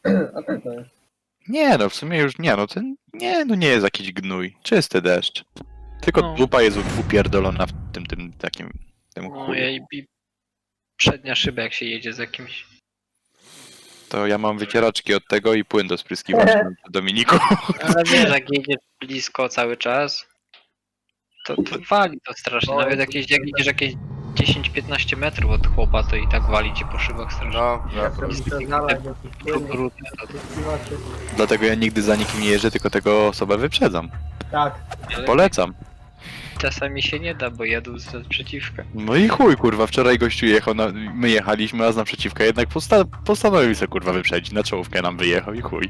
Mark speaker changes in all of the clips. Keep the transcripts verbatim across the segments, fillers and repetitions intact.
Speaker 1: A tak to jest.
Speaker 2: Nie no, w sumie już nie no, ten nie no nie jest jakiś gnój. Czysty deszcz. Tylko
Speaker 3: No.
Speaker 2: dupa jest upierdolona w tym, tym takim, tym
Speaker 3: No
Speaker 2: chuju.
Speaker 3: i i przednia szyba jak się jedzie z jakimś.
Speaker 2: To ja mam wycieraczki od tego i płyn do spryskiwacza Dominiku.
Speaker 3: Ale wiesz, jak jedziesz blisko cały czas, to, to wali to strasznie. Nawet jakieś, jak idziesz jakieś dziesięć piętnaście metrów od chłopa, to i tak wali ci po szybach strasznie.
Speaker 4: No,
Speaker 1: Ja
Speaker 4: no,
Speaker 1: sobie muszę znaleźć jakiś płyn,
Speaker 3: Brudne to-
Speaker 1: spryskiwaczy.
Speaker 2: Dlatego ja nigdy za nikim nie jeżdżę, tylko tego osobę wyprzedzam.
Speaker 1: Tak.
Speaker 3: ale
Speaker 2: Polecam.
Speaker 3: czasami się nie da, bo jadą z naprzeciwka.
Speaker 2: No i chuj, kurwa, wczoraj gościu jechał, na, my jechaliśmy, a z naprzeciwka jednak posta postanowił sobie, kurwa, wyprzedzić, na czołówkę nam wyjechał i chuj.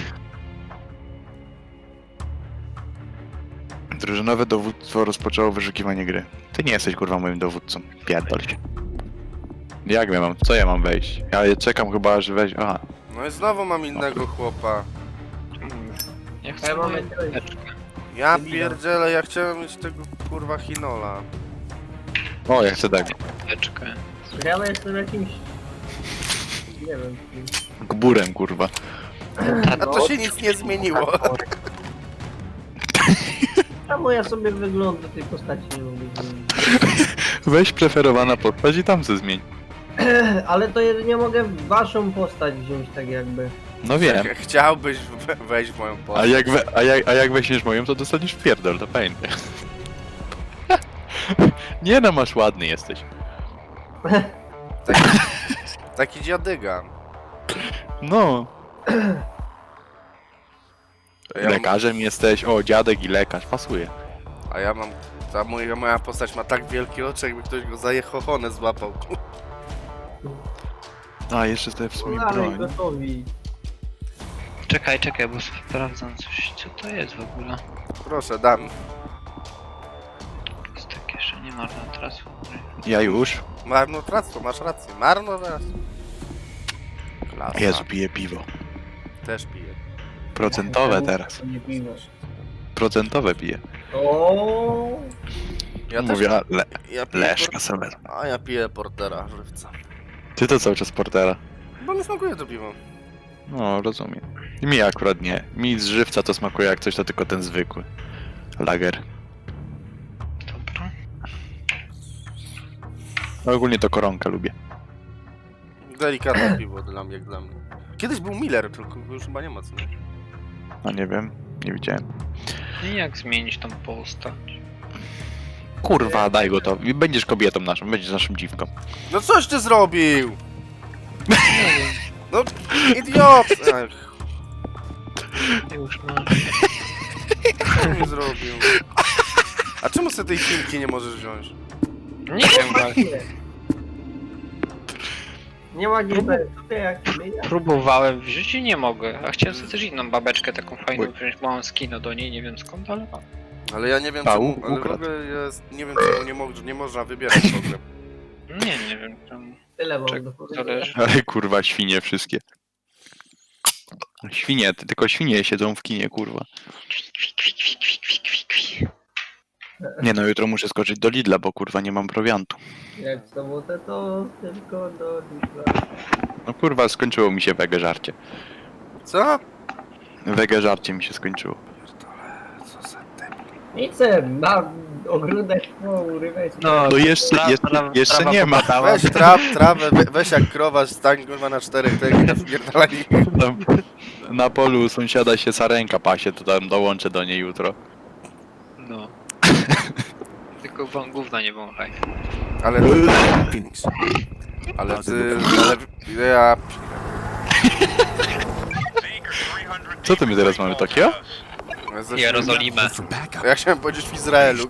Speaker 2: Drużynowe dowództwo rozpoczęło wyszukiwanie gry. Ty nie jesteś, kurwa, moim dowódcą. Pierdol się. Jak ja mam, co ja mam wejść? Ja czekam chyba, aż wejść, aha.
Speaker 4: no i znowu mam innego chłopa.
Speaker 3: Ja
Speaker 1: A
Speaker 3: chcę
Speaker 1: ja mam
Speaker 3: moją
Speaker 1: jakiegoś-
Speaker 3: teczkę.
Speaker 4: Ja
Speaker 1: Debila.
Speaker 4: pierdzielę, ja chciałem mieć tego kurwa Hinola.
Speaker 2: O, ja chcę tego.
Speaker 3: teczkę.
Speaker 1: Ja jestem jakimś... Nie wiem.
Speaker 2: Gburem, kurwa.
Speaker 4: A to się nic nie zmieniło.
Speaker 1: Czemu ja sobie wyglądu tej postaci nie mogę zmienić?
Speaker 2: Weź preferowana postać i tam se zmień.
Speaker 1: Ale to jedynie mogę waszą postać wziąć tak jakby.
Speaker 2: No wiem.
Speaker 4: Chciałbyś we- wejść w moją
Speaker 2: A
Speaker 4: postać.
Speaker 2: jak, we, a, jak, a jak weźmiesz moją, to dostaniesz w pierdol, to pamiętaj. Nie no, masz ładny jesteś.
Speaker 4: Taki, taki dziadyga.
Speaker 2: No.
Speaker 4: A ja, mam-
Speaker 2: Lekarzem jesteś, o dziadek i lekarz, pasuje.
Speaker 4: a ja mam... Ta moja, moja postać ma tak wielkie oczy, jakby ktoś go za jechochonę złapał.
Speaker 2: A, jeszcze sobie w sumie
Speaker 1: Dalej,
Speaker 2: broń.
Speaker 1: gotowi.
Speaker 3: Czekaj, czekaj, bo sprawdzam coś. Co to jest w ogóle?
Speaker 4: Proszę, dam.
Speaker 3: Jest takie jeszcze nie marnotrawstwo.
Speaker 2: Ja już.
Speaker 4: Marnotrawstwo, masz rację. Marnotrawstwo. Klasa.
Speaker 2: Jezu, piję piwo.
Speaker 4: Też piję.
Speaker 2: Procentowe teraz.
Speaker 1: Nie piwo.
Speaker 2: Procentowe piję.
Speaker 1: O.
Speaker 4: Ja też
Speaker 2: Mówię, le,
Speaker 4: ja piję
Speaker 2: leszka
Speaker 4: por-
Speaker 2: sobie.
Speaker 4: A ja piję portera żywca.
Speaker 2: Ty to cały czas portera.
Speaker 4: Bo mi smakuje to piwo.
Speaker 2: No, rozumiem. I mi akurat nie. Mi z żywca to smakuje jak coś, to tylko ten zwykły. Lager.
Speaker 3: Dobra.
Speaker 2: No, ogólnie to koronkę lubię.
Speaker 4: Delikatne piwo dla mnie, jak dla mnie. Kiedyś był Miller, tylko już chyba nie ma co. Nie?
Speaker 2: No nie wiem, nie widziałem.
Speaker 3: I jak zmienić tą postać?
Speaker 2: Kurwa, daj go to. I będziesz kobietą naszą, będziesz naszą dziwką.
Speaker 4: No coś ty zrobił! No, idiot! Ech,
Speaker 3: Już masz.
Speaker 4: co mi zrobił? A czemu sobie tej filmki nie możesz wziąć?
Speaker 3: Nie wiem właśnie.
Speaker 1: Nie ma G P S, jak zmienia.
Speaker 3: Próbowałem wziąć i nie mogę. A chciałem sobie też inną babeczkę taką fajną wziąć. Małą skino do niej, nie wiem skąd, ale mam.
Speaker 4: Ale ja nie wiem
Speaker 2: A,
Speaker 4: czemu,
Speaker 2: u-
Speaker 4: ale w
Speaker 2: ukradł.
Speaker 4: ogóle jest, nie wiem czemu nie, mo nie można wybierać w ogóle.
Speaker 3: Nie, nie wiem tam.
Speaker 1: Tyle mam
Speaker 3: Czek-
Speaker 1: do
Speaker 3: To
Speaker 1: powiedzenia.
Speaker 3: leży.
Speaker 2: Ale kurwa, świnie wszystkie. Świnie, ty- tylko świnie siedzą w kinie, kurwa.
Speaker 3: Kwi, kwi, kwi, kwi, kwi, kwi, kwi.
Speaker 2: Nie no, jutro muszę skoczyć do Lidla, bo kurwa nie mam prowiantu.
Speaker 1: Jak w sobotę to tylko do Lidla.
Speaker 2: No kurwa, skończyło mi się wege żarcie.
Speaker 4: Co?
Speaker 2: Wege żarcie mi się skończyło.
Speaker 4: Co za debil.
Speaker 1: Nicem, mam ogródek po urywaj.
Speaker 3: No,
Speaker 2: No jeszcze,
Speaker 3: tra-
Speaker 2: jeszcze,
Speaker 3: tra-
Speaker 2: jeszcze
Speaker 3: trawa
Speaker 2: nie ma.
Speaker 3: popadała.
Speaker 4: Weź trap, trawę, we, weź jak krowasz, stań kurwa na czterech tak i naspierdalaj.
Speaker 2: Tam na polu u sąsiada się sarenka pasie, to tam dołączę do niej jutro.
Speaker 3: No. Tylko wą- gówna nie wąchaj.
Speaker 4: Ale ty... Phoenix. Ale ty... Ale... Ja...
Speaker 2: Co to my teraz mamy, Tokio?
Speaker 3: Jerozolimę.
Speaker 4: Ja chciałem powiedzieć w Izraelu.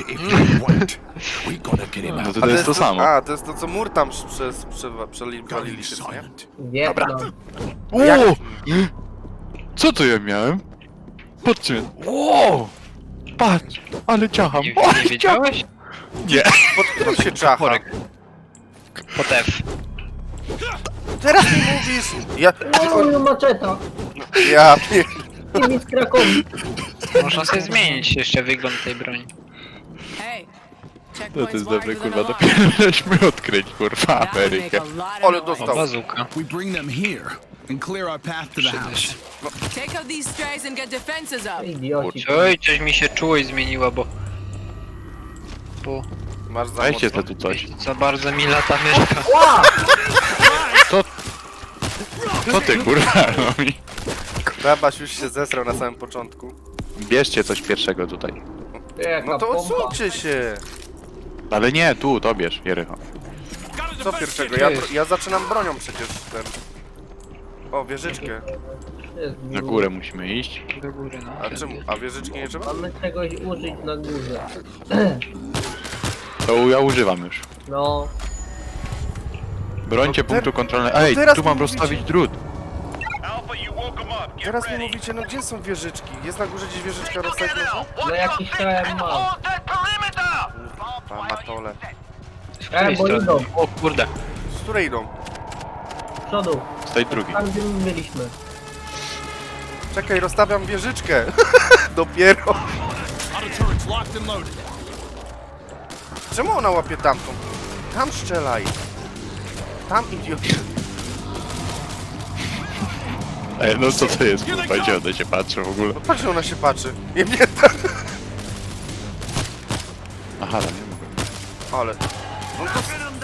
Speaker 2: No to, to jest to samo.
Speaker 4: A, to jest to co mur tam przez... przez... Przewaliliście, co nie?
Speaker 1: Wietnam.
Speaker 2: O!
Speaker 4: Jak-
Speaker 2: Co to ja miałem? Patrzcie. O! Patrz, ale ciacham.
Speaker 3: Nie,
Speaker 2: O,
Speaker 3: nie wiedziałeś?
Speaker 2: Nie.
Speaker 4: Pod, pod się czacha.
Speaker 3: Korek. Pod F.
Speaker 4: Teraz mi mówisz! Ja...
Speaker 1: O, no maczeta.
Speaker 4: Ja... pier-
Speaker 1: I mi z Krakowi.
Speaker 3: Można sobie zmienić jeszcze wygląd tej broni.
Speaker 5: Hey,
Speaker 2: No to jest dobre, kurwa, dopiero żeśmy odkryć, kurwa, Amerykę.
Speaker 4: Ale
Speaker 3: O,
Speaker 4: dostał.
Speaker 3: bazuka.
Speaker 6: We bring them here.
Speaker 5: and clear our path to the
Speaker 3: Przyda
Speaker 5: house.
Speaker 3: się.
Speaker 6: Take out these strays and get defenses up.
Speaker 1: Idioci.
Speaker 3: Oj, coś mi się czułość zmieniła, bo... Bo
Speaker 4: Masz za
Speaker 2: Weźcie
Speaker 4: mocno?
Speaker 2: to tu coś.
Speaker 3: za bardzo mi lata mieszka.
Speaker 2: Co ty kurwa robi?
Speaker 4: Krabaś już się zesrał na samym początku.
Speaker 2: Bierzcie coś pierwszego tutaj.
Speaker 1: Jaka
Speaker 4: No to
Speaker 1: pompa.
Speaker 4: odsuńcie się!
Speaker 2: Ale nie, tu, to bierz, Jerycho.
Speaker 4: Co pierwszego? Ja, ja zaczynam bronią przecież ten. O, wieżyczkę.
Speaker 1: Jest
Speaker 2: Na górę musimy iść.
Speaker 3: Do góry, no.
Speaker 4: A czemu? A wieżyczki nie trzeba?
Speaker 1: Mamy czegoś użyć na górze.
Speaker 2: To ja używam już.
Speaker 1: No.
Speaker 2: Brońcie
Speaker 4: No
Speaker 2: punktu
Speaker 4: ter-
Speaker 2: kontrolnego.
Speaker 4: no
Speaker 2: Ej,
Speaker 4: teraz
Speaker 2: tu mam
Speaker 4: mi
Speaker 2: rozstawić
Speaker 4: mówicie.
Speaker 2: drut.
Speaker 4: Teraz mi mówicie, no gdzie są wieżyczki? Jest na górze gdzieś wieżyczka rozstać można?
Speaker 1: No jakiś krem mam.
Speaker 4: A, matole.
Speaker 3: Z
Speaker 1: E,
Speaker 3: której
Speaker 1: bo
Speaker 3: strony?
Speaker 1: idą.
Speaker 3: O kurde.
Speaker 4: Z której idą?
Speaker 1: Z przodu.
Speaker 2: Z tej drugiej.
Speaker 1: Tam gdzie my byliśmy.
Speaker 4: Czekaj, rozstawiam wieżyczkę. Dopiero.
Speaker 5: Auto turrets locked and loaded.
Speaker 4: Czemu ona łapie tamtą? Tam strzelaj. Tam idiot.
Speaker 2: Ej, no co to jest kurwa, gdzie one się patrzą w ogóle?
Speaker 4: No patrz, że ona się patrzy. Nie wiem, tak.
Speaker 2: Aha, tam nie mogę.
Speaker 4: Ale. No to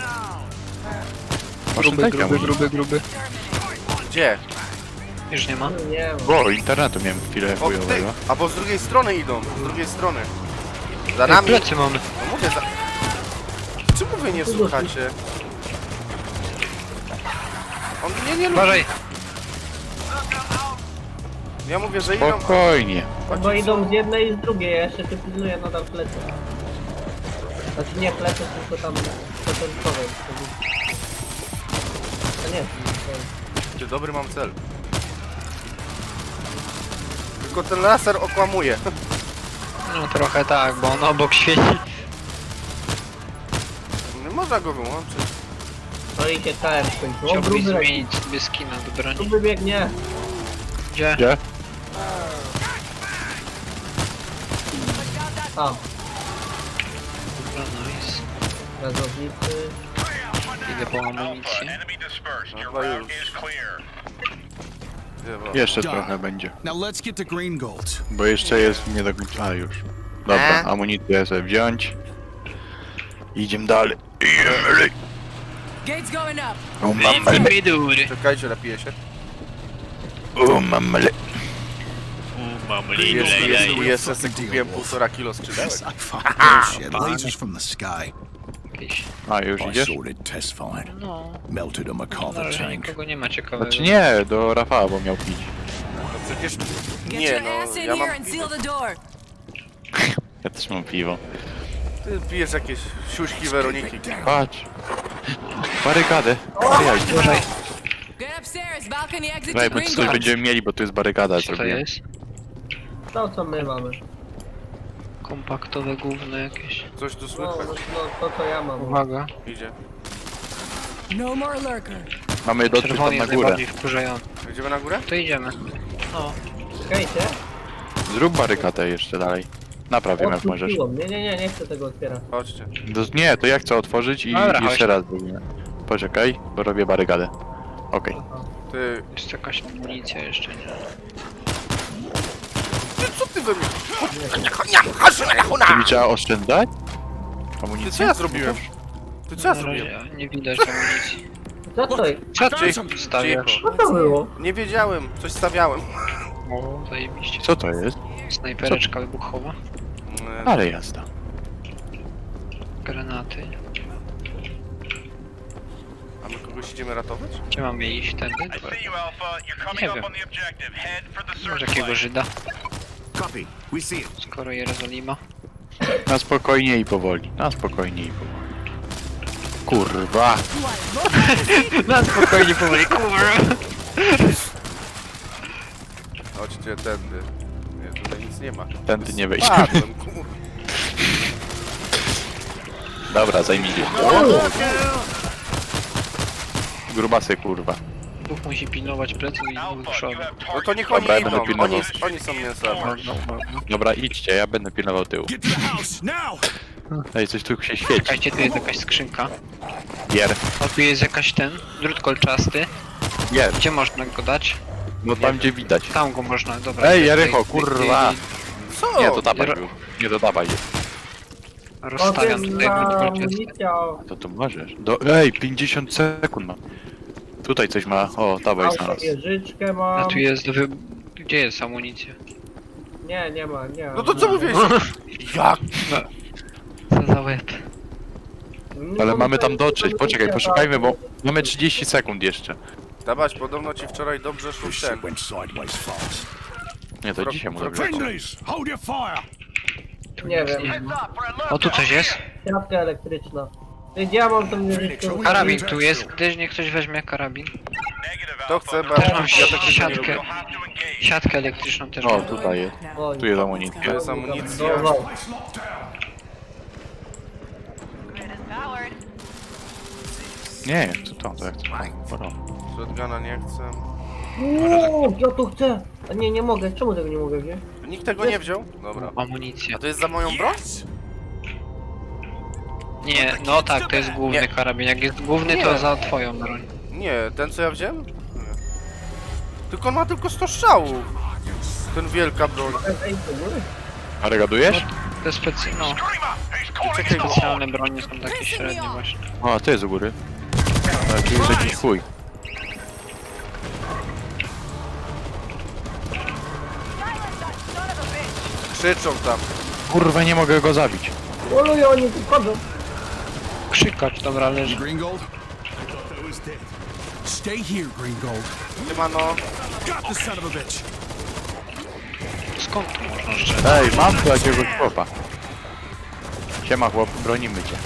Speaker 2: Masz
Speaker 3: Gruby,
Speaker 2: lejka,
Speaker 3: gruby,
Speaker 2: może.
Speaker 3: gruby, gruby.
Speaker 4: gdzie?
Speaker 3: Już nie ma?
Speaker 1: Nie wiem.
Speaker 2: O, internetu miałem chwilę
Speaker 4: O, ty.
Speaker 2: chujowego.
Speaker 4: Albo z drugiej strony idą. Z drugiej strony. Za
Speaker 3: Ej,
Speaker 4: nami.
Speaker 3: plecy mamy.
Speaker 4: No mówię za... Czemu wy nie słuchacie? On mnie nie lubi.
Speaker 3: Uważaj.
Speaker 4: Ja mówię, że idą.
Speaker 2: Spokojnie.
Speaker 1: No bo idą z jednej i z drugiej, ja jeszcze tu pilnuję nadal plecy. Znaczy nie plecy, tylko tam początkowe. A nie, to
Speaker 4: Ty, dobry mam cel. Tylko ten laser okłamuje.
Speaker 3: No trochę tak, bo on obok świeci.
Speaker 4: Nie można go wyłączyć.
Speaker 1: no i się K M skończyło. O,
Speaker 3: Chciałbyś
Speaker 1: gruby leci.
Speaker 3: zmienić sobie skina do broni.
Speaker 1: Gruby biegnie.
Speaker 3: Gdzie?
Speaker 2: Gdzie?
Speaker 1: A,
Speaker 3: Dobra, nice.
Speaker 1: gazownicy.
Speaker 3: Idę po amunicję.
Speaker 4: No chyba już. Nie, bo-
Speaker 2: Jeszcze trochę będzie.
Speaker 5: Now let's get to Green Gold.
Speaker 2: Bo jeszcze jest nie do końca. A już. Dobra,
Speaker 4: E?
Speaker 2: amunicję sobie wziąć. Idziemy dalej. Idziemy dalej.
Speaker 6: Gates going up.
Speaker 2: O mamele,
Speaker 3: Midury.
Speaker 4: Czekajcie, napiję się.
Speaker 2: o mamele.
Speaker 4: Jest, jest, jest, jest, jest, kupiłem półtora kilo skrzydełek.
Speaker 5: Yes, I fucking bullshit. Lasers from the sky.
Speaker 3: Jakieś.
Speaker 2: A, już
Speaker 5: I
Speaker 2: idziesz?
Speaker 5: sorted test fine.
Speaker 3: No.
Speaker 5: Melted a
Speaker 3: Na
Speaker 5: McCullough
Speaker 3: razie
Speaker 5: tank.
Speaker 3: nikogo nie ma ciekawego.
Speaker 2: Znaczy nie, do Rafała, bo miał pić.
Speaker 4: No przecież...
Speaker 6: Get
Speaker 4: Nie
Speaker 6: your
Speaker 4: no,
Speaker 6: ass in
Speaker 4: ja
Speaker 6: here
Speaker 4: mam
Speaker 6: and
Speaker 4: piwo.
Speaker 6: seal the door.
Speaker 2: Ja też mam piwo.
Speaker 4: Ty pijesz jakieś siuśki Weroniki.
Speaker 2: Patrz. Barykadę. Ojaj,
Speaker 6: Get upstairs. Balcony exit
Speaker 2: Daj,
Speaker 6: to
Speaker 2: bo
Speaker 6: Green
Speaker 2: coś
Speaker 6: Gold.
Speaker 2: będziemy mieli, bo tu jest barykada
Speaker 3: Co to
Speaker 2: zrobiona.
Speaker 3: jest?
Speaker 1: To co my mamy.
Speaker 3: Kompaktowe gówno jakieś.
Speaker 4: Coś tu
Speaker 1: No,
Speaker 4: słychać.
Speaker 1: no, no to co ja mam.
Speaker 3: Uwaga.
Speaker 4: Idzie.
Speaker 6: No more lurker.
Speaker 2: Mamy dotrzeć tam
Speaker 3: Czerwony
Speaker 2: na
Speaker 3: jest
Speaker 2: górę.
Speaker 3: najbardziej wkurzający.
Speaker 4: Idziemy na górę?
Speaker 3: To idziemy. No.
Speaker 1: Czekajcie.
Speaker 2: Zrób barykadę jeszcze dalej. Napraw ją jak możesz.
Speaker 1: Odpuściło. Nie, nie, nie, nie chcę tego otwierać.
Speaker 4: Chodźcie.
Speaker 2: Do, nie, to ja chcę otworzyć i
Speaker 3: Dobra,
Speaker 2: jeszcze
Speaker 3: chodź.
Speaker 2: raz zrobimy. Poczekaj, bo robię barykadę. Okej.
Speaker 4: Ty...
Speaker 3: Jest jakaś amunicja jeszcze, nie?
Speaker 4: Ty co ty we mnie?
Speaker 2: Czyli trzeba oszczędzać?
Speaker 4: Ty
Speaker 2: Amunicję?
Speaker 4: co ja zrobiłem? Ty co ja
Speaker 3: Na
Speaker 4: zrobiłem?
Speaker 3: razie nie widać amunicji.
Speaker 1: Co to jest?
Speaker 3: Co ty
Speaker 4: Cicho,
Speaker 3: stawiasz?
Speaker 1: Co to było?
Speaker 4: Nie wiedziałem, coś stawiałem.
Speaker 3: O, zajebiście.
Speaker 2: Co to jest?
Speaker 3: Snajpereczka wybuchowa.
Speaker 4: Mm,
Speaker 2: Ale jazda.
Speaker 3: Granaty.
Speaker 4: A my kogoś idziemy ratować?
Speaker 3: Gdzie mamy iść? Tędy? Nie wiem. Może jakiego Żyda?
Speaker 5: Copy. We see it.
Speaker 3: Skoro Jerozolima.
Speaker 2: Na spokojnie i powoli. Na spokojnie i powoli. Kurwa.
Speaker 3: Na spokojnie powoli, kurwa.
Speaker 4: Chodźcie tędy. Nie, tutaj nic nie ma.
Speaker 2: Tędy nie wejdziemy.
Speaker 4: Spadłem, kur...
Speaker 2: Dobra, zajmijcie się. Grubasy, kurwa.
Speaker 3: Bóg musi pilnować pleców i dwóch przodu.
Speaker 4: No to niech oni
Speaker 2: Dobra, ja będę
Speaker 4: idą.
Speaker 2: pilnował.
Speaker 4: Oni, oni są mięsami.
Speaker 3: Można, można.
Speaker 2: Dobra, idźcie, ja będę pilnował tyłu.
Speaker 5: Get to the house now.
Speaker 2: Ej, coś tu się świeci.
Speaker 3: Czekajcie, tu jest jakaś skrzynka.
Speaker 2: Gier.
Speaker 3: O, tu jest jakaś ten, drut kolczasty.
Speaker 2: Jest.
Speaker 3: Gdzie można go dać?
Speaker 2: No tam gdzie widać.
Speaker 3: Tam go można, dobra.
Speaker 2: Ej,
Speaker 3: idę
Speaker 2: Jerycho,
Speaker 3: tutaj-
Speaker 2: kurwa!
Speaker 4: Co?
Speaker 2: Nie, to dawaj
Speaker 3: Ro-
Speaker 2: był. Nie, to dawaj jest.
Speaker 3: Rozstawiam
Speaker 1: Potem
Speaker 3: tutaj
Speaker 1: na
Speaker 3: dwadzieścia.
Speaker 1: amunicja.
Speaker 2: To tu możesz. Do... Ej, pięćdziesiąt sekund mam. Tutaj coś ma. O, dawaj znalazł.
Speaker 1: Wieżyczkę
Speaker 3: A
Speaker 1: mam.
Speaker 3: tu jest do wy... Gdzie jest amunicja?
Speaker 1: Nie, nie ma, nie.
Speaker 4: No to co mówiłeś? Jak?
Speaker 3: Co za łeb.
Speaker 1: No,
Speaker 2: Ale
Speaker 1: no
Speaker 2: mamy
Speaker 1: to
Speaker 2: tam
Speaker 1: jest
Speaker 2: dotrzeć.
Speaker 1: amunicja,
Speaker 2: Poczekaj, poszukajmy, bo
Speaker 1: tak.
Speaker 2: mamy trzydzieści sekund jeszcze.
Speaker 4: Dawać, podobno ci wczoraj dobrze szło
Speaker 5: This
Speaker 4: w ten.
Speaker 5: shit went sideways fast.
Speaker 2: Nie, to
Speaker 4: Wro-
Speaker 2: dzisiaj mu
Speaker 4: wro-
Speaker 2: zrobię.
Speaker 5: Friendlies, hold your fire!
Speaker 1: Nie wiem.
Speaker 3: O, tu coś jest?
Speaker 1: Siatka elektryczna. Ty, gdzie ja mam tą wieżyczkę?
Speaker 3: Karabin tu jest. Gdyż niech ktoś weźmie karabin.
Speaker 4: To chcę, bo
Speaker 3: Też
Speaker 4: ja
Speaker 3: mam
Speaker 4: ja takiego nie
Speaker 3: siatkę.
Speaker 4: lubię.
Speaker 3: Siatkę elektryczną też
Speaker 2: O,
Speaker 3: mam.
Speaker 2: tutaj jest.
Speaker 1: Oj.
Speaker 2: Tu jest amunicja.
Speaker 4: To jest amunicja.
Speaker 1: Dobra.
Speaker 5: Place locked down.
Speaker 2: Nie, to to, to jak to. Dobra.
Speaker 4: Shotguna nie chcę.
Speaker 1: Uuu, ja to chcę. A nie, nie mogę. Czemu tego nie mogę wziąć?
Speaker 4: Nikt tego nie wziął? Dobra.
Speaker 3: Amunicja.
Speaker 4: A to jest za moją broń?
Speaker 3: Nie, no tak, to jest główny
Speaker 4: Nie.
Speaker 3: karabin. Jak jest główny, to
Speaker 4: Nie.
Speaker 3: za twoją broń.
Speaker 4: Nie, ten co ja wziąłem? Nie. Tylko on ma tylko sto strzałów. Ten wielka broń.
Speaker 1: Ej, do góry?
Speaker 2: A regadujesz?
Speaker 3: Te specy... no,
Speaker 4: Czekaj,
Speaker 3: specjalne bronie są takie średnie właśnie.
Speaker 2: O, ty jest u góry. A, tu jest jakiś chuj.
Speaker 4: krzyczą tam.
Speaker 2: Kurwa, nie mogę go zabić.
Speaker 1: Oluję, oni tu chodzą.
Speaker 3: Krzykacz, dobra, leży.
Speaker 5: Greengold? I thought I was dead. Stay here, Greengold.
Speaker 4: Siemano.
Speaker 5: Got the son of a bitch.
Speaker 3: Skąd tu można strzelać?
Speaker 2: Ej, mam tu jakiegoś chłopa. Siema chłop, bronimy cię.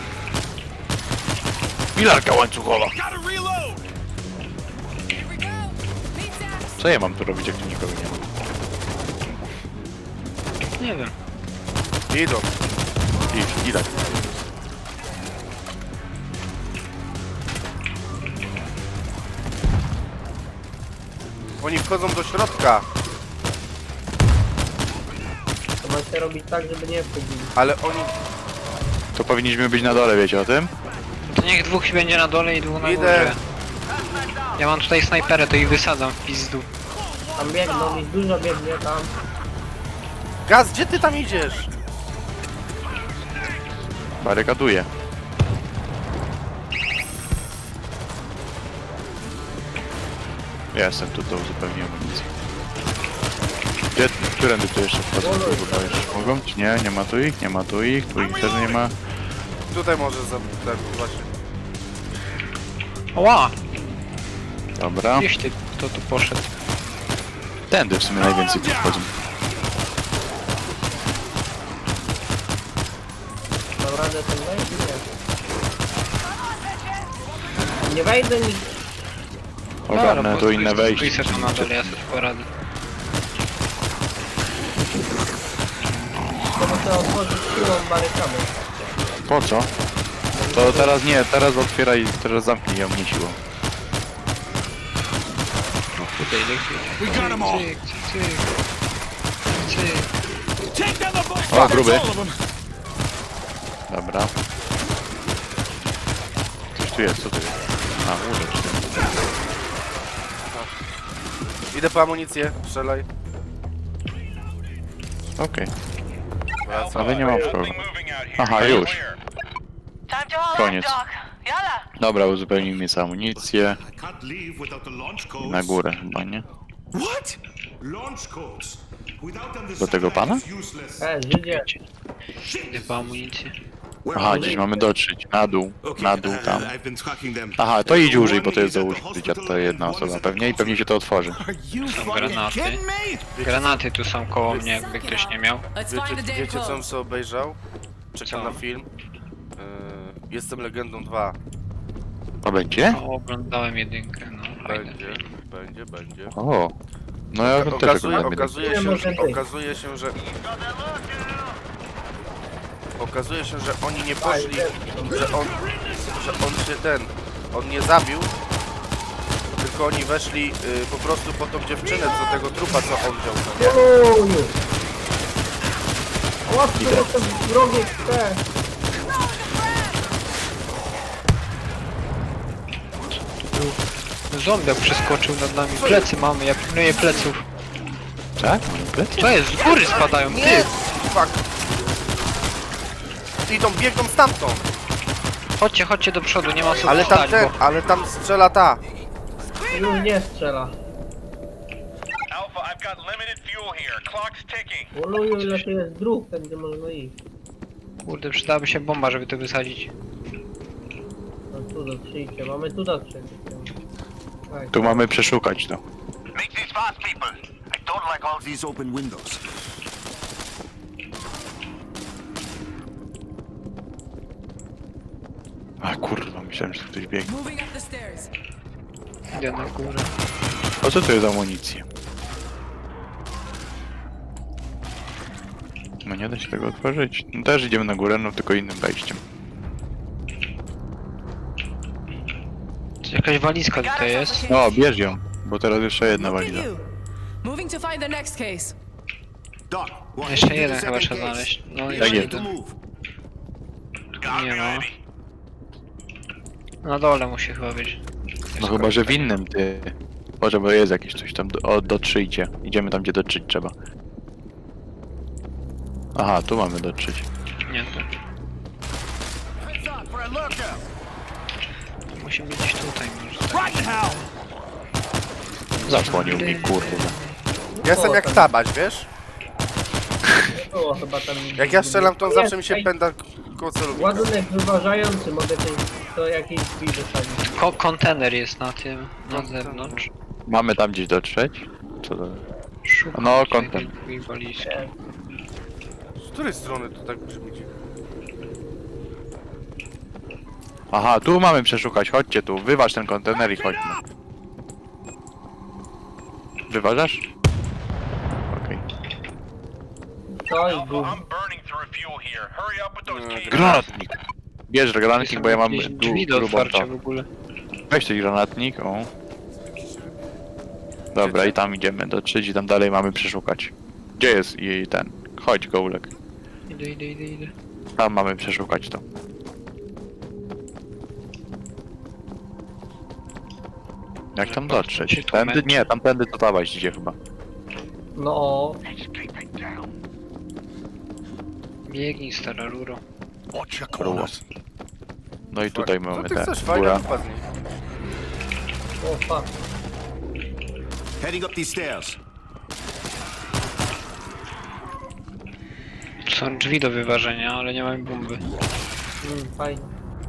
Speaker 2: Pilarka łańcuchowa.
Speaker 5: Gotta reload!
Speaker 6: Here we go. Meat axe.
Speaker 2: Co ja mam tu robić, jak tu nikogo nie ma?
Speaker 3: Nie wiem.
Speaker 4: Idą.
Speaker 2: Idź, idź.
Speaker 4: Oni wchodzą do środka,
Speaker 1: To macie robić tak, żeby nie wchodzili.
Speaker 4: ale oni...
Speaker 2: To powinniśmy być na dole, wiecie o tym?
Speaker 3: To niech dwóch będzie na dole i dwóch na
Speaker 4: Idę.
Speaker 3: górze. Ja mam tutaj snajperę, to ich wysadzam w pizdu.
Speaker 1: Tam biegną, ich dużo biegnie tam.
Speaker 4: Gaz, gdzie ty tam idziesz?
Speaker 2: Barykaduję. Ja jestem tu, to uzupełniłem amunicję. Gdzie, którędy tu jeszcze wchodzą? Tu chyba jeszcze mogą? Czy nie? Nie ma tu ich? Nie ma tu ich? Tu ich też nie ma.
Speaker 4: Tutaj może za... tak, właśnie.
Speaker 3: Oła!
Speaker 2: Dobra.
Speaker 3: Gdzieś ty, kto tu poszedł?
Speaker 2: Tędy w sumie najwięcej tu wchodzą.
Speaker 1: Mam radę tam wejść? Nie. Nie wejdę nic.
Speaker 2: Ogarnę tu inne wejście.
Speaker 3: Stój se tam na dole, ja sobie poradzę.
Speaker 1: To muszę otworzyć siłą barykamy.
Speaker 2: Po co? To teraz nie, teraz otwieraj, teraz zamknij ją, nie siłą.
Speaker 3: Tutaj lekkie.
Speaker 5: We got 'em all.
Speaker 3: Cyk, cyk, cyk.
Speaker 5: Take down the boat!
Speaker 2: O, gruby.
Speaker 5: All of them.
Speaker 2: Dobra. Coś tu jest, co tu jest? A, ulecz.
Speaker 4: Idę po amunicję, strzelaj.
Speaker 2: Okej,
Speaker 4: Wracam.
Speaker 2: ale nie mam problemu. Aha, już.
Speaker 7: Time to haul
Speaker 2: Koniec.
Speaker 7: up, Doc. Yalla.
Speaker 2: Dobra, uzupełnijmy sobie amunicję.
Speaker 5: I can't leave without the launch codes.
Speaker 2: Na górę chyba, nie?
Speaker 5: What? Launch codes. Without them, the
Speaker 2: Do tego pana?
Speaker 5: satellite is useless.
Speaker 1: E, Żydzie.
Speaker 3: Idę po amunicję.
Speaker 5: Where
Speaker 2: Aha,
Speaker 5: are
Speaker 2: gdzieś
Speaker 5: they?
Speaker 2: mamy dotrzeć. Na dół,
Speaker 5: Okay,
Speaker 2: na dół
Speaker 5: uh,
Speaker 2: tam.
Speaker 5: I've been tracking them.
Speaker 2: Aha, to idź
Speaker 5: Uh,
Speaker 2: użyj, bo
Speaker 5: one
Speaker 2: to jest
Speaker 5: is
Speaker 2: do
Speaker 5: at the
Speaker 2: użycia, to
Speaker 5: hospital
Speaker 2: jedna
Speaker 5: and one is
Speaker 2: osoba
Speaker 5: at the
Speaker 2: pewnie i pewnie się to otworzy.
Speaker 5: Are you fucking
Speaker 3: granaty.
Speaker 5: kidding me?
Speaker 3: Granaty tu są koło mnie, jakby ktoś nie miał.
Speaker 6: Let's
Speaker 4: Wiecie,
Speaker 6: find the damn
Speaker 4: wiecie co bym
Speaker 6: clothes.
Speaker 4: sobie obejrzał? Czekam
Speaker 3: Co?
Speaker 4: na film. Yy, Jestem Legendą dwa.
Speaker 2: To będzie?
Speaker 3: O, oglądałem jedynkę, no fajne.
Speaker 4: Będzie, będzie, będzie.
Speaker 2: O. No ja też
Speaker 4: Okazuje,
Speaker 2: oglądam.
Speaker 4: okazuje,
Speaker 1: Nie
Speaker 4: się,
Speaker 1: może
Speaker 4: że,
Speaker 1: być.
Speaker 4: okazuje się, że... Okazuje się, że oni nie poszli, że on, że on się ten, on nie zabił, tylko oni weszli y, po prostu po tą dziewczynę, co tego trupa, co on wziął, co nie?
Speaker 1: Uuu, już. Łapcie do te wrogie te.
Speaker 3: Zombiak przeskoczył nad nami. Plecy mamy, ja pilnuję pleców.
Speaker 2: Tak? Mamy plecy?
Speaker 3: To jest, z góry spadają,
Speaker 4: Nie!
Speaker 3: ty!
Speaker 4: Fuck! Idą, biegną stamtąd!
Speaker 3: Chodźcie, chodźcie do przodu, nie ma co
Speaker 4: Ale tam
Speaker 3: stać,
Speaker 4: ten,
Speaker 3: bo...
Speaker 4: ale tam strzela ta.
Speaker 1: Już nie strzela.
Speaker 8: Alpha, I've got limited fuel here. Clock's ticking.
Speaker 1: Uluju, ile tu jest dróg, ten gdzie można iść.
Speaker 3: Kurde, przydałaby się bomba, żeby to wysadzić.
Speaker 1: No tu dotrzyjcie, mamy tu dotrzeć. Tak.
Speaker 2: Tu mamy przeszukać to.
Speaker 8: Make these fast, people. I don't like all
Speaker 5: These open windows.
Speaker 2: A kurwa, myślałem, że ktoś biegnie.
Speaker 6: Moving up the stairs.
Speaker 3: Idę na górę.
Speaker 2: A co to jest za amunicja? No nie da się tego otworzyć. No też idziemy na górę, no tylko innym wejściem.
Speaker 3: Jakaś walizka tutaj jest.
Speaker 2: No, bierz ją, bo teraz jeszcze jedna
Speaker 6: Look at
Speaker 2: waliza.
Speaker 6: you. Moving to find the next case.
Speaker 5: Doc, walk
Speaker 3: Jeszcze
Speaker 5: into the
Speaker 3: jeden chyba
Speaker 5: second
Speaker 3: trzeba
Speaker 5: case.
Speaker 3: znaleźć. No
Speaker 5: Be
Speaker 3: jeszcze
Speaker 2: jest.
Speaker 5: ready to
Speaker 3: jeden.
Speaker 5: move.
Speaker 3: Nie ma. Na dole musi chyba być.
Speaker 2: No chyba, że w innym, ty. Boże, bo jest jakieś coś tam, do, o, dotrzyjcie. Idziemy tam, gdzie dotrzeć trzeba. Aha, tu mamy dotrzeć.
Speaker 3: Nie, to
Speaker 5: Heads up for a lurker.
Speaker 3: musi być gdzieś tutaj może.
Speaker 5: Right now.
Speaker 2: Zasłonił mi, kurde.
Speaker 4: Ja jestem jak tabaś, wiesz?
Speaker 1: Było chyba tam...
Speaker 4: Jak ja strzelam, to on
Speaker 1: Jest,
Speaker 4: zawsze mi się
Speaker 1: ej,
Speaker 4: pęda koło celownika.
Speaker 1: Ładunek wyważający, mogę to, to jakieś drzwi wysadzić.
Speaker 3: Ko kontener jest na tym, na zewnątrz.
Speaker 2: Mamy tam gdzieś dotrzeć? Co to?
Speaker 3: Szukam
Speaker 2: No,
Speaker 3: tutaj
Speaker 2: kontener.
Speaker 3: takiej walizki.
Speaker 4: Z której strony to tak brzmi dziwnie?
Speaker 2: Aha, tu mamy przeszukać, chodźcie tu. Wyważ ten kontener i chodźmy. Wyważasz? Okej.
Speaker 1: To i
Speaker 8: Alpha,
Speaker 1: gum.
Speaker 8: I'm burning through fuel here. Hurry up with those cases.
Speaker 2: Granatnik! Bierz granatnik, bo ja mam
Speaker 3: Jakieś
Speaker 2: du-
Speaker 3: drzwi do
Speaker 2: grubą
Speaker 3: otwarcia
Speaker 2: to.
Speaker 3: w ogóle.
Speaker 2: Weź ten granatnik, o. Dobra, i tam idziemy dotrzeć i tam dalej mamy przeszukać. Gdzie jest jej ten? Chodź, Gołek.
Speaker 3: Idę, idę, idę, idę.
Speaker 2: Tam mamy przeszukać to. Jak tam dotrzeć? Tędy? Nie, tamtędy to dawać idzie chyba.
Speaker 1: No,
Speaker 3: Biegnij, stara ruro.
Speaker 5: Watch your
Speaker 2: Ruło.
Speaker 5: corners.
Speaker 2: No i tutaj
Speaker 4: Co
Speaker 2: mamy
Speaker 4: ty
Speaker 2: te
Speaker 4: chcesz? Fajna
Speaker 2: góra.
Speaker 4: dupa z niej.
Speaker 1: o fuck.
Speaker 5: Heading up these stairs.
Speaker 3: Są drzwi do wyważenia, ale nie mamy bomby.
Speaker 1: Mm, fajnie.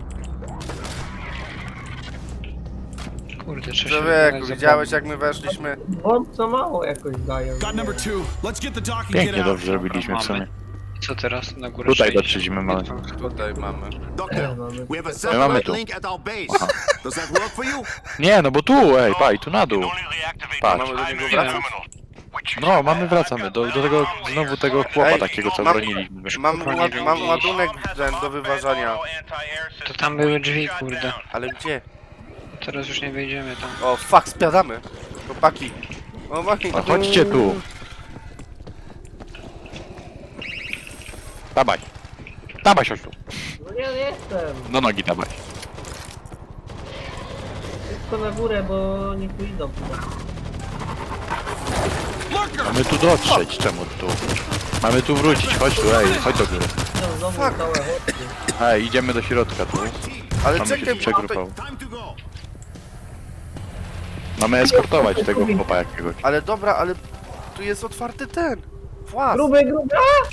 Speaker 3: Kurde, trzeba się
Speaker 4: Człowieku,
Speaker 3: wybrać za
Speaker 4: widziałeś jak my weszliśmy?
Speaker 1: Bomb co mało jakoś dają.
Speaker 5: Got number two. Let's get the doc and
Speaker 2: Pięknie
Speaker 5: get out.
Speaker 2: dobrze zrobiliśmy w sumie.
Speaker 3: mamy. Co teraz? Na górę
Speaker 2: Tutaj
Speaker 3: trzeba
Speaker 2: dotrzeć
Speaker 3: iść.
Speaker 2: mamy.
Speaker 4: Tutaj mamy.
Speaker 5: Doctor,
Speaker 1: mamy.
Speaker 5: we have a
Speaker 2: My mamy
Speaker 5: satellite
Speaker 2: tu.
Speaker 5: link at our base. Does that work for you?
Speaker 2: Nie, no bo tu, ej, paj, tu na dół.
Speaker 8: Only reactivate
Speaker 2: Patrz.
Speaker 8: the
Speaker 4: Mamy do niego
Speaker 8: primary
Speaker 4: wracać?
Speaker 8: terminal. Which is
Speaker 2: No, mamy,
Speaker 8: bad.
Speaker 2: wracamy
Speaker 8: I've
Speaker 2: do,
Speaker 8: got
Speaker 2: do tego,
Speaker 8: limited fuel
Speaker 2: znowu
Speaker 8: here.
Speaker 2: tego chłopa
Speaker 4: Ej,
Speaker 2: takiego, co
Speaker 4: mam-
Speaker 2: broniliśmy.
Speaker 4: Mam, mam, mam ładunek ten do wyważania.
Speaker 3: To tam były drzwi, kurde.
Speaker 4: Ale gdzie?
Speaker 3: Teraz już nie wejdziemy tam.
Speaker 4: O, fuck, spiadamy. Chłopaki. Chłopaki.
Speaker 2: No chodźcie tu. Dawaj. Dawaj, chodź tu.
Speaker 1: No nie, nie jestem.
Speaker 2: Do nogi dawaj.
Speaker 1: Tylko na górę, bo nie tu idą.
Speaker 2: Mamy tu dotrzeć, czemu tu? Mamy tu wrócić, chodź tu, ej, chodź do góry.
Speaker 1: No, znowu
Speaker 4: Fuck.
Speaker 1: całe chodki.
Speaker 2: Ej, idziemy do środka tu.
Speaker 4: Ale
Speaker 2: Mamy się
Speaker 4: czekaj,
Speaker 2: tu
Speaker 4: bo tutaj...
Speaker 2: przegrupował.
Speaker 5: Time to go.
Speaker 2: Mamy eskortować tego chłopa jakiegoś.
Speaker 4: Ale dobra, ale tu jest otwarty ten. Włas.
Speaker 1: Gruby, gruby! A!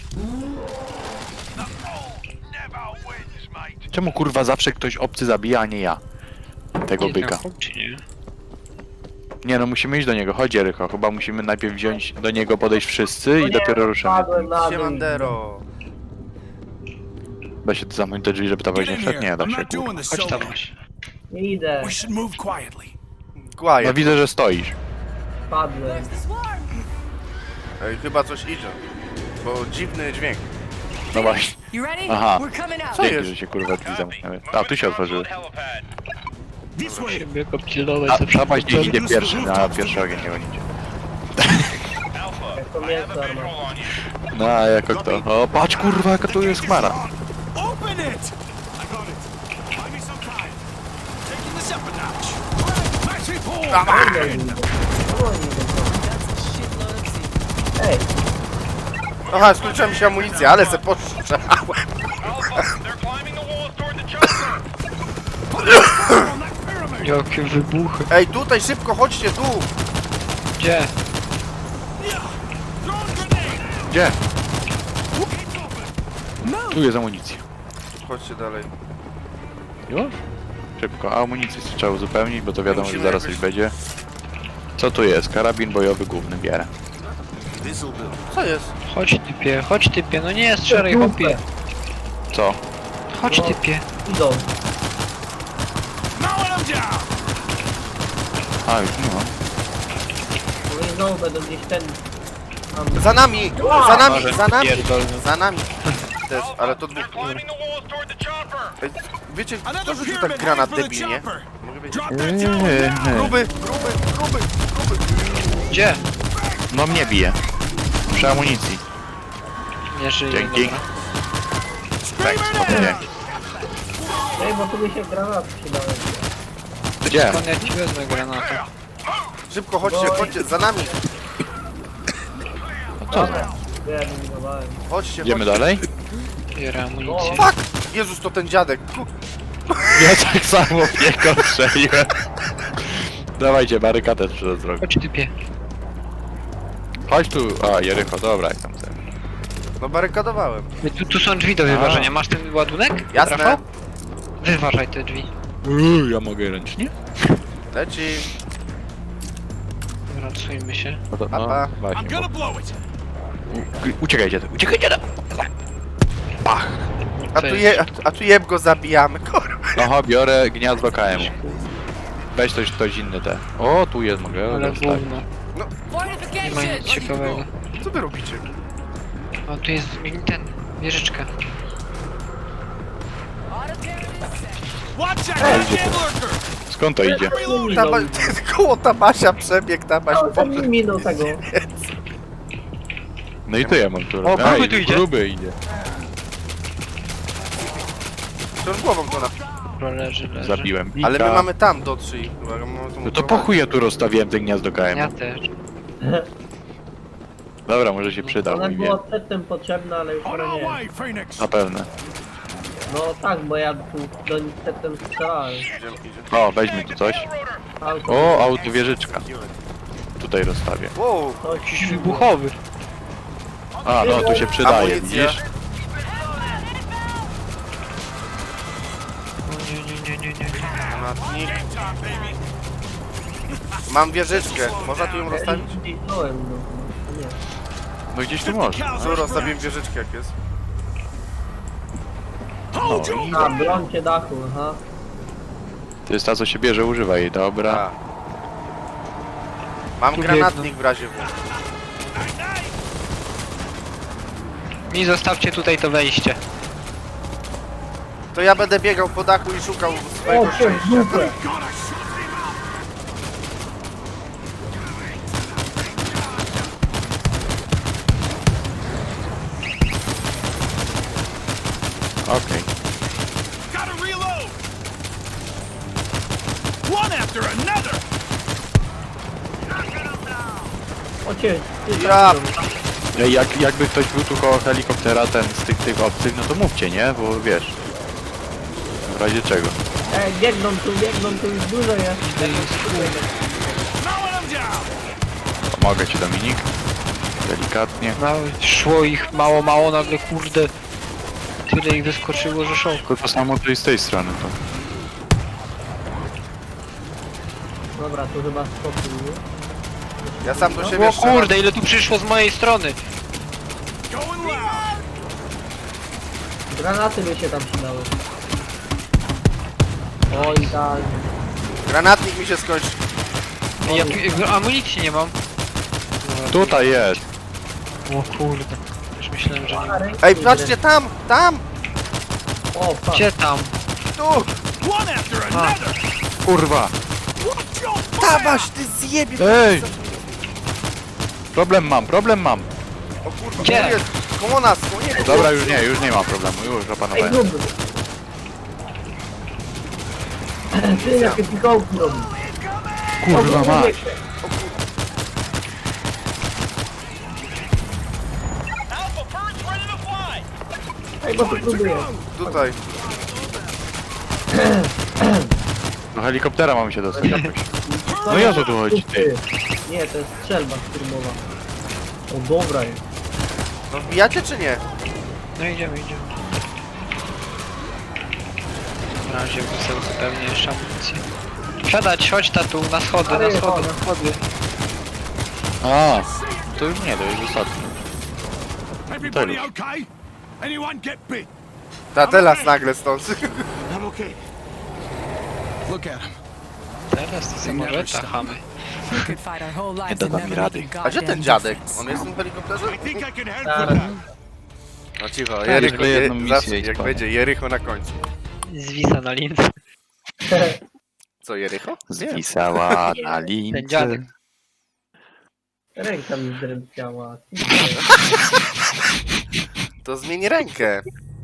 Speaker 8: Never wins, mate.
Speaker 2: Czemu kurwa zawsze ktoś obcy zabija, a nie ja? Tego
Speaker 3: Jednak
Speaker 2: byka.
Speaker 3: chłop, czy nie?
Speaker 2: Nie no, musimy iść do niego, chodź Erycho. Chyba musimy najpierw wziąć do niego, podejść wszyscy i dopiero ruszymy.
Speaker 1: Padłem na dół.
Speaker 4: Siemandero.
Speaker 2: Da się to zamknąć te drzwi, żeby ta
Speaker 5: Get
Speaker 2: woźnia
Speaker 5: in
Speaker 2: wszedł?
Speaker 5: here.
Speaker 2: Nie, da
Speaker 5: I'm
Speaker 2: się
Speaker 5: not doing
Speaker 2: kurwa.
Speaker 5: this
Speaker 3: Chodź
Speaker 5: solo.
Speaker 3: tam właśnie.
Speaker 1: Nie idę.
Speaker 5: We should move quietly.
Speaker 2: No
Speaker 4: Quiet.
Speaker 2: widzę, że stoisz.
Speaker 1: Padłem.
Speaker 6: Where's the swarm?
Speaker 4: Ej, chyba coś idzie. Bo dziwny dźwięk.
Speaker 2: No właśnie.
Speaker 6: You ready?
Speaker 2: Aha.
Speaker 6: We're coming out.
Speaker 4: Co
Speaker 2: Dzięki,
Speaker 4: jest?
Speaker 2: że się kurwa drzwi zamknęły. A, tu się otworzyły.
Speaker 5: This way.
Speaker 3: Siebie go pilnować
Speaker 2: A,
Speaker 3: zawsze.
Speaker 2: Zapaść niech idzie pierwszy, na pierwszy ogień nie gonicie.
Speaker 1: To mięso armatne.
Speaker 2: No, a jako kto? O, patrz kurwa, jaka tu jest chmara.
Speaker 5: Open it! I got it. Buy me some time. Taking this up a notch. Matchy pull!
Speaker 1: Ej,
Speaker 4: Aha, skończyła mi się amunicja, ale se postrzelałem.
Speaker 8: Alpha, they're climbing the walls toward the chopper.
Speaker 3: Jakie wybuchy.
Speaker 4: Ej, tutaj szybko, chodźcie tu.
Speaker 3: Gdzie?
Speaker 2: Gdzie? Tu jest amunicja.
Speaker 4: Chodźcie dalej.
Speaker 2: Już? Szybko, a amunicję trzeba uzupełnić, bo to wiadomo, że
Speaker 4: Musimy
Speaker 2: zaraz
Speaker 4: jakoś-
Speaker 2: coś będzie. Co tu jest? Karabin bojowy główny bierę.
Speaker 5: This'll do.
Speaker 4: Co jest?
Speaker 3: Chodź typie, chodź typie, no nie strzelaj chłopie.
Speaker 2: Co?
Speaker 3: Chodź typie.
Speaker 1: idą.
Speaker 5: Mowing them down.
Speaker 2: A, już nie mam.
Speaker 1: No i znowu będą gdzieś ten... Tam...
Speaker 4: Za nami! Za nami!
Speaker 3: Może
Speaker 4: Za nami!
Speaker 3: pierdolny.
Speaker 4: Za nami! Też, ale to dwóch.
Speaker 8: They're climbing the walls toward the chopper.
Speaker 4: Ej, wiecie, kto
Speaker 5: Another
Speaker 4: rzucił
Speaker 5: pyramid
Speaker 4: tak granat
Speaker 5: heading for the
Speaker 4: debilnie?
Speaker 5: chopper.
Speaker 4: Mogę wiedzieć.
Speaker 5: Drop that tower now.
Speaker 4: Gruby, gruby, gruby, gruby.
Speaker 3: Gdzie?
Speaker 2: No mnie bije. Przy amunicji.
Speaker 3: Nie żyje,
Speaker 2: Dzięki.
Speaker 3: dobra.
Speaker 2: Tak, spokojnie.
Speaker 1: Ej, bo tu mi się granat przydały.
Speaker 2: Gdzie?
Speaker 3: Skąd ja ci wezmę granatę?
Speaker 4: Szybko, chodźcie, chodźcie, za nami!
Speaker 1: Dobra, wyeliminowałem.
Speaker 4: Chodźcie,
Speaker 2: Idziemy
Speaker 4: chodźcie.
Speaker 2: dalej?
Speaker 3: Biorę amunicję.
Speaker 4: Fuck! Jezus, to ten dziadek. Ku-
Speaker 2: Ja tak samo w niego strzeliłem. Dawajcie, barykadę trzeba zrobić.
Speaker 3: Chodź typie.
Speaker 2: Chodź tu. A, Jericho, dobra, jak tam ten.
Speaker 4: No barykadowałem.
Speaker 3: Tu, tu są drzwi do wyważenia. Masz ten ładunek?
Speaker 4: Jasne.
Speaker 3: Rafał? Wyważaj te drzwi.
Speaker 2: Uuu, ja mogę ręcznie?
Speaker 4: Leci.
Speaker 3: Wracujmy się.
Speaker 2: No to, no,
Speaker 4: Papa.
Speaker 5: I'm
Speaker 2: właśnie.
Speaker 5: gonna blow it.
Speaker 2: U- Uciekajcie, uciekajcie! Pach!
Speaker 4: A tu, je, a, tu- a tu jeb go zabijamy, kurwa.
Speaker 2: Oho, biorę gniazdo K M. Weź coś, ktoś inny te. O, tu jest, mogę
Speaker 3: Ale
Speaker 2: dostać.
Speaker 3: gówno. Nie ma
Speaker 6: Fortification!
Speaker 3: nic ciekawego.
Speaker 4: Co wy robicie?
Speaker 3: A tu jest ten, wieżyczka.
Speaker 5: Watch out, goddamn lurker.
Speaker 2: Skąd to idzie?
Speaker 4: Taba, koło Tabasia przebiegł, Tabaś
Speaker 1: O, ten mi minął tego.
Speaker 2: No i tu ja mam tu.
Speaker 3: O, gruby tu idzie.
Speaker 2: Gruby idzie.
Speaker 4: To już głową to na...
Speaker 3: Dobra, leży, leży.
Speaker 2: Zabiłem bika.
Speaker 4: Ale my mamy tam do trzy. Chyba, mamy tu
Speaker 2: No to po chuj ja tu rozstawiłem ten gniazdo K
Speaker 3: Ja
Speaker 2: M.
Speaker 3: też.
Speaker 2: Dobra, może się przyda,
Speaker 1: Ona
Speaker 2: mój
Speaker 1: była
Speaker 2: wie.
Speaker 1: przedtem potrzebna, ale już
Speaker 5: On
Speaker 1: teraz
Speaker 5: our
Speaker 1: nie.
Speaker 5: way, Phoenix.
Speaker 2: Na pewno.
Speaker 1: No tak, bo ja tu do nich przedtem strzelałem.
Speaker 4: Idziemy, idziemy.
Speaker 2: O, weźmy tu coś.
Speaker 1: Auto.
Speaker 2: O, autowieżyczka. Tutaj rozstawię.
Speaker 4: Wow,
Speaker 1: Coś
Speaker 3: Jakiś wybuchowy.
Speaker 2: A, no tu się przydaje,
Speaker 4: Amunicja.
Speaker 2: widzisz?
Speaker 3: O nie, nie, nie, nie, nie, nie.
Speaker 4: granatnik. Mam wieżyczkę. Można tu ją rozstawić?
Speaker 1: Zniknąłem, no. Nie.
Speaker 2: No gdzieś tu można.
Speaker 4: Tu rozstawiłem wieżyczkę, jak jest.
Speaker 2: No i
Speaker 1: A, brońcie dachu, aha.
Speaker 2: to jest ta, co się bierze, używa jej, dobra.
Speaker 4: A. Mam
Speaker 3: Tu
Speaker 4: granatnik w razie W.
Speaker 3: Mi zostawcie tutaj to wejście.
Speaker 4: To ja będę biegał po dachu i szukał swojego
Speaker 1: O, cię w
Speaker 4: szczęścia.
Speaker 1: dupę.
Speaker 2: Okej.
Speaker 5: Gotta reload. One after another.
Speaker 1: O cię, ty
Speaker 4: Ja
Speaker 1: tam idą.
Speaker 2: Ej, jak, jakby ktoś był tu koło helikoptera, ten z tych, tych obcych, no to mówcie, nie? Bo wiesz. W razie czego.
Speaker 1: Ej, biegną tu, biegną tu, już dużo jest.
Speaker 5: Mowing them down.
Speaker 2: Pomogę ci, Dominik. Delikatnie.
Speaker 3: No, szło ich mało, mało, nagle kurde. Tyle ich wyskoczyło, że szok.
Speaker 2: Tylko to samo tu i z tej strony to.
Speaker 1: Dobra, tu chyba spokój, nie?
Speaker 4: Ja sam do siebie
Speaker 3: O
Speaker 4: strzelam.
Speaker 3: kurde, ile tu przyszło z mojej strony.
Speaker 5: Going loud.
Speaker 1: Granaty by się tam przydały. Oj, tak.
Speaker 4: Granatnik mi się skończy.
Speaker 3: Ja tu amunicji nie mam.
Speaker 2: Tutaj jest.
Speaker 3: O kurde. Już myślałem, że nie ma.
Speaker 4: Ej, patrzcie tam! Tam!
Speaker 1: O, fuck.
Speaker 3: Gdzie tam?
Speaker 4: Tu!
Speaker 5: One after another.
Speaker 2: Kurwa.
Speaker 5: Watch your
Speaker 4: Tabaś, ty zjebie!
Speaker 2: Ej! Problem mam, problem mam.
Speaker 4: O kurwa,
Speaker 3: Gdzie?
Speaker 4: tu jest! Koło nas, koło niego!
Speaker 2: Dobra, już nie, już nie ma problemu, już
Speaker 1: Ej,
Speaker 2: opanowałem.
Speaker 1: gruby. Ty, jakie pikołki robi.
Speaker 2: Kurwa mać.
Speaker 8: Alpha, bird's ready to fly.
Speaker 1: Ej, bo tu próbuję.
Speaker 4: Tutaj.
Speaker 2: Do helikoptera mamy się dostać jakoś. No i o co tu chodzi, ty?
Speaker 1: Nie, to jest strzelba szturmowa. O, dobra jest.
Speaker 4: No wbijacie czy nie?
Speaker 3: No idziemy, idziemy. Na razie muszę zupełnie jeszcze amunicję. Wsiadać, chodź tatu, na schody, na schody, na schody.
Speaker 2: A, to już nie, to już ostatni.
Speaker 5: Everybody
Speaker 2: już.
Speaker 5: okay? Anyone get bit?
Speaker 4: Ta teraz nagle stąd.
Speaker 5: I'm okay. Look at him.
Speaker 3: Teraz to samolota chamy.
Speaker 6: We could fight our whole lives
Speaker 2: da
Speaker 6: and
Speaker 2: mi
Speaker 6: never
Speaker 2: rady.
Speaker 6: make a
Speaker 4: A gdzie ten
Speaker 6: goddamn
Speaker 4: dziadek?
Speaker 6: difference.
Speaker 4: On jest w tym helikopterze?
Speaker 5: I think I can help
Speaker 1: Zaraz.
Speaker 5: with that.
Speaker 4: No cicho,
Speaker 2: Tak,
Speaker 4: Jericho,
Speaker 2: żeby jedną
Speaker 4: je,
Speaker 2: misję
Speaker 4: zawsze,
Speaker 2: mieć,
Speaker 4: jak
Speaker 2: panie.
Speaker 4: będzie Jericho na końcu.
Speaker 3: Zwisa na lince.
Speaker 4: Co, Jericho?
Speaker 2: Zwisała na lince.
Speaker 3: Ten dziadek.
Speaker 1: Ręka mi drętwiała.
Speaker 4: To zmień rękę.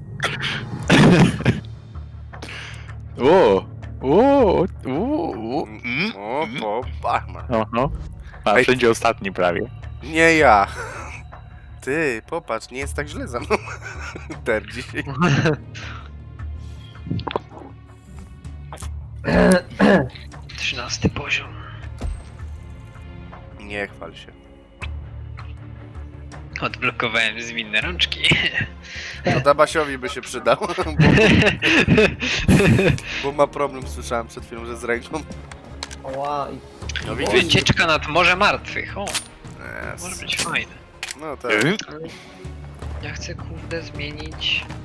Speaker 2: O, o, o, o. Mm.
Speaker 4: O, po, pachma.
Speaker 2: Oho. A
Speaker 4: Ej.
Speaker 2: wszędzie ostatni prawie.
Speaker 4: Nie ja. Ty, popatrz, nie jest tak źle za mną. Ter dzisiaj.
Speaker 3: Trzynasty poziom.
Speaker 4: Nie chwal się.
Speaker 3: Odblokowałem zwinne rączki.
Speaker 4: No Dabasiowi by się przydał, bo, bo ma problem, słyszałem przed chwilą, że z ręką.
Speaker 1: Ła, i
Speaker 4: No widzisz?
Speaker 3: Wycieczka nad Morze Martwych. O, może
Speaker 4: Yes.
Speaker 3: być fajne.
Speaker 4: No tak.
Speaker 3: Ja chcę kurde zmienić